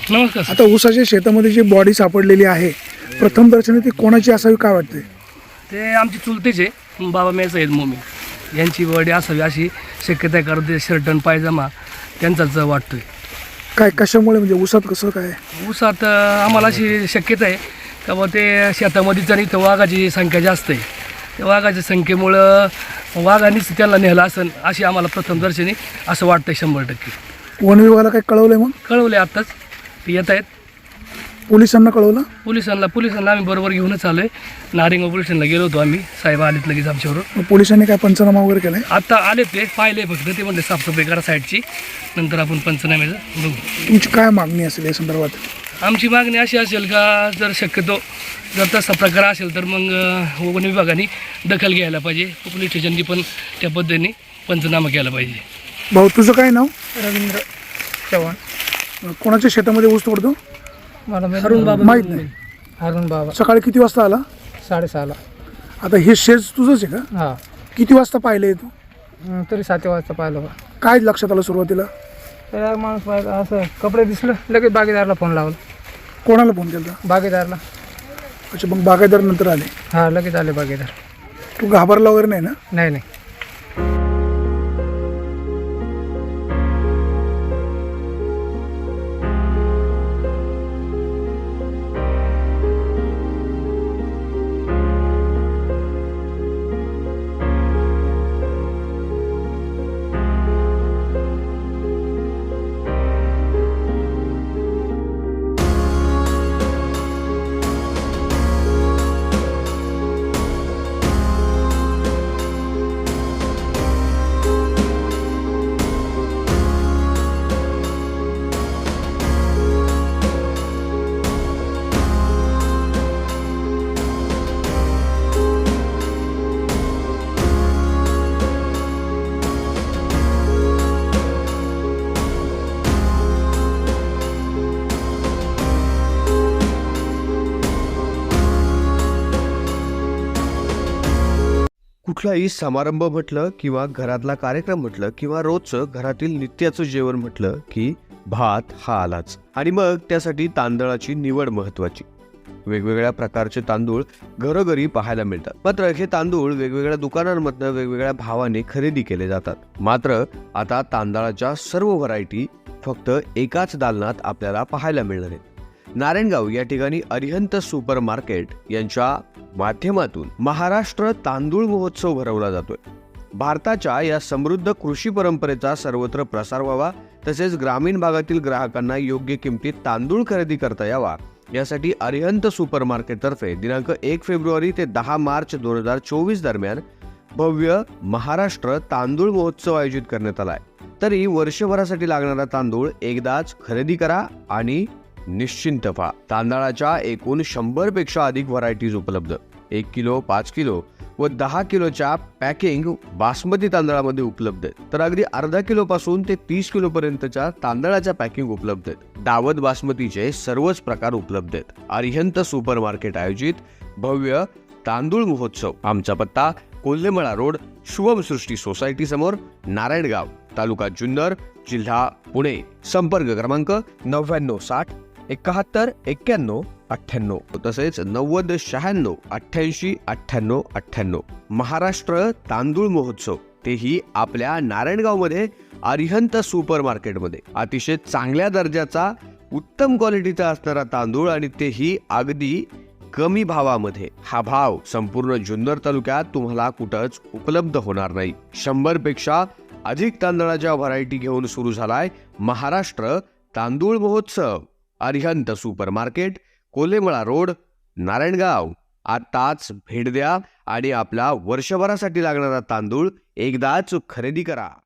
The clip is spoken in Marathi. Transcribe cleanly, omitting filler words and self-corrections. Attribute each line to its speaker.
Speaker 1: नमस्कार सर.
Speaker 2: आता ऊसाच्या शेतामध्ये जी बॉडी सापडलेली आहे प्रथम दर्शनी ती कोणाची असावी काय वाटते?
Speaker 1: ते आमचे चुलतेचे बाबा मेस आहेत मोमी यांची बॉडी असावी अशी शक्यता आहे, कारण ते शर्ट आणि पायजमा त्यांचाच वाटतोय.
Speaker 2: काय कशामुळे म्हणजे ऊसात कसं काय?
Speaker 1: ऊसात आम्हाला अशी शक्यता आहे का बा ते शेतामध्येच आणि इथं वाघाची संख्या जास्त आहे. त्या वाघाच्या संख्येमुळं वाघानेच त्यांना नेलं असेल अशी आम्हाला प्रथमदर्शनी असं वाटतंय 100%.
Speaker 2: वन विभागाला काय कळवलंय मग?
Speaker 1: कळवले आत्ताच ते येत आहेत.
Speaker 2: पोलिसांना कळवलं?
Speaker 1: पोलिसांना आम्ही बरोबर घेऊनच आलो आहे. नारिंगाव पोलीस स्टेशनला गेलो होतो आम्ही, साहेब आलेत लगेच आमच्याबरोबर.
Speaker 2: मग पोलिसांनी काय पंचनामा वगैरे केलाय?
Speaker 1: आता आले ते पाहिले फक्त, ते म्हणले साफसफाई करा साईडची, नंतर आपण पंचनाम्याचं बघू.
Speaker 2: तुमची काय मागणी असेल या संदर्भात?
Speaker 1: आमची मागणी अशी असेल का जर शक्यतो जर तसा प्रकार असेल तर मग वन विभागाने दखल घ्यायला पाहिजे. पोलीस स्टेशननी पण त्या पद्धतीने पंचनामा केला पाहिजे.
Speaker 2: भाऊ तुझं काय नाव?
Speaker 3: रवींद्र चव्हाण.
Speaker 2: कोणाच्या शेतामध्ये ऊस तोडतो?
Speaker 3: मला
Speaker 1: अरुण बाबा
Speaker 2: माहित नाही.
Speaker 3: अरुण बाबा
Speaker 2: सकाळी किती वाजता आला?
Speaker 3: 6:30ला.
Speaker 2: आता हे शेत तुझंच आहे का?
Speaker 3: हां.
Speaker 2: किती वाजता पाहिले तू?
Speaker 3: तरी 7 वाजता पाहिलं बा.
Speaker 2: काय लक्षात आलं सुरुवातीला?
Speaker 3: तर माणूस पाहिलं असं कपडे दिसलं, लगेच बागेदारला फोन लावला.
Speaker 2: कोणाला फोन केला?
Speaker 3: बागेदारला.
Speaker 2: अच्छा, मग बागायतदार नंतर आले.
Speaker 3: हां, लगेच आले बागेदार.
Speaker 2: तू घाबरला वगैरे नाही ना?
Speaker 3: नाही.
Speaker 4: कुठलाही समारंभ म्हटलं किंवा घरातला कार्यक्रम म्हटलं किंवा रोजचं घरातील नित्याचं जेवण म्हटलं की भात हा आलाच. आणि मग त्यासाठी तांदळाची निवड महत्वाची. वेगवेगळ्या प्रकारचे तांदूळ घरोघरी पाहायला मिळतात. मात्र हे तांदूळ वेगवेगळ्या दुकानांमधनं वेगवेगळ्या भावाने खरेदी केले जातात. मात्र आता तांदळाच्या सर्व व्हरायटी फक्त एकाच दालनात आपल्याला पाहायला मिळणार आहेत. नारायणगाव या ठिकाणी अरिहंत सुपर मार्केट यांच्या माध्यमातून महाराष्ट्र तांदूळ महोत्सव भरवला जातोय. भारताच्या या समृद्ध कृषी परंपरेचा सर्वत्र प्रसार व्हावा, तसेच ग्रामीण भागातील ग्राहकांना योग्य किमतीत तांदूळ खरेदी करता यावा यासाठी अरिहंत सुपर मार्केट तर्फे दिनांक 1 फेब्रुवारी ते 10 मार्च 2024 दरम्यान भव्य महाराष्ट्र तांदूळ महोत्सव आयोजित करण्यात आलाय. तरी वर्षभरासाठी लागणारा तांदूळ एकदाच खरेदी करा आणि निश्चिंत व्हा. तांदळाच्या एकूण 100 पेक्षा अधिक व्हरायटीज उपलब्ध. 1 किलो, 5 किलो व 10 किलोच्या पॅकिंग बासमती तांदळामध्ये उपलब्ध आहेत. तर अगदी अर्धा किलो पासून ते 30 किलो पर्यंतच्या तांदळाच्या पॅकिंग उपलब्ध आहेत. दावत बासमतीचे सर्वच प्रकार उपलब्ध आहेत. अरिहंत सुपर मार्केट आयोजित भव्य तांदूळ महोत्सव. आमचा पत्ता कोल्हेमळा रोड, शुभम सृष्टी सोसायटी समोर, नारायणगाव, तालुका जुन्नर, जिल्हा पुणे. संपर्क क्रमांक 9960 71 91 98, तसेच 90 96 88 98 98. महाराष्ट्र तांदूळ महोत्सव, तेही आपल्या नारायणगावमध्ये अरिहंत सुपर मार्केटमध्ये. अतिशय चांगल्या दर्जाचा उत्तम क्वालिटीचा असणारा तांदूळ आणि तेही अगदी कमी भावामध्ये. हा भाव संपूर्ण जुन्नर तालुक्यात तुम्हाला कुठंच उपलब्ध होणार नाही. 100 पेक्षा अधिक तांदळाच्या व्हरायटी घेऊन सुरू झालाय महाराष्ट्र तांदूळ महोत्सव. Arihant super market, Kolhemala road, Narayangaon. आताच भेट द्या आणि आपला वर्षभरासाठी लागणारा तांदूळ एकदाच खरेदी करा.